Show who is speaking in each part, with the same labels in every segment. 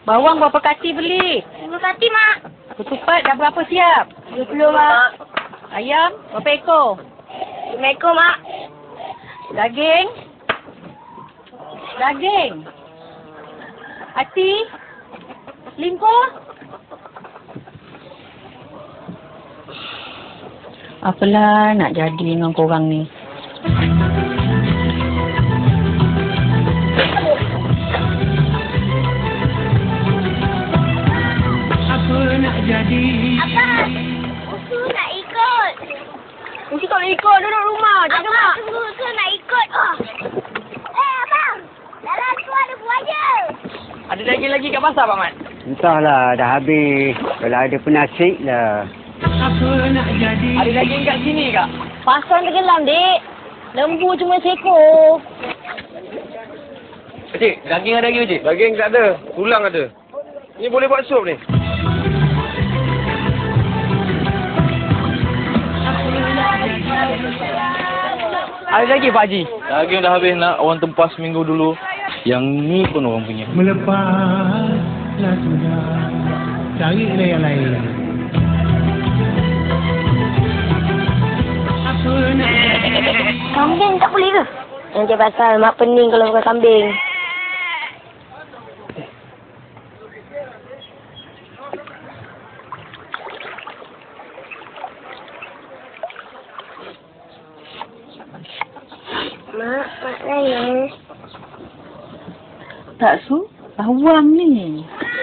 Speaker 1: Bawang berapa kati beli?
Speaker 2: 10 kati, Mak.
Speaker 1: Ketupat dah berapa siap?
Speaker 2: 20, Mak.
Speaker 1: Ayam berapa ekor?
Speaker 2: 5 ekor, Mak.
Speaker 1: Daging? Daging? Hati? Selingkuh? Apalah nak jadi dengan korang ni?
Speaker 3: Apa nak jadi?
Speaker 2: Apa? Usu nak ikut. Usu tak boleh ikut, duduk rumah. Jaga, Mak. Tunggu, Usu nak ikut. Abang. Dalam tu ada buaya.
Speaker 4: Ada daging lagi kat pasar, Pak Mat?
Speaker 5: Entahlah, dah habis. Kalau ada penasih lah.
Speaker 3: Apa nak jadi?
Speaker 4: Ada daging kat sini, Kak?
Speaker 2: Pasang tenggelam, Dik. Lembu cuma seekor.
Speaker 4: Cik, daging ada lagi, Cik? Daging tak ada. Tulang ada. Ni boleh buat sup ni. Ada lagi, Pak Haji?
Speaker 6: Daging dah habis nak orang tempah seminggu dulu. Yang ni pun orang punya.
Speaker 3: Melepaslah sudah. Carilah yang lain. Apa nak jadi?
Speaker 2: Kambing tak boleh ke? Nanti pasal Mak pening kalau makan kambing. Mak nangis.
Speaker 1: Tak su? Bawang ni.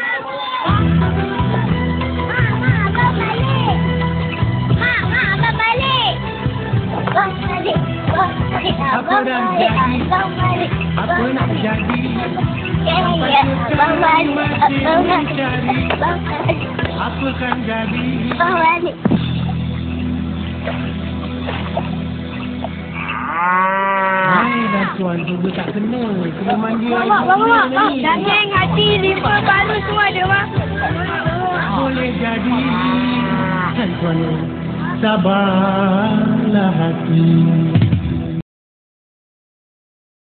Speaker 2: Abang balik. Abang balik. Abang balik.
Speaker 3: Apa dah jadi?
Speaker 2: Abang balik.
Speaker 3: Apa nak jadi?
Speaker 2: Abang balik. Abang balik. Abang balik.
Speaker 3: Apa kan jadi?
Speaker 2: Abang balik.
Speaker 3: Hai tuan, tunggu tak kena. Kena mandi air
Speaker 2: Mak.
Speaker 3: ni.
Speaker 2: Daging, hati, liver, paru semua ada, Mak.
Speaker 3: Boleh jadi. Kan tuan, sabarlah hati.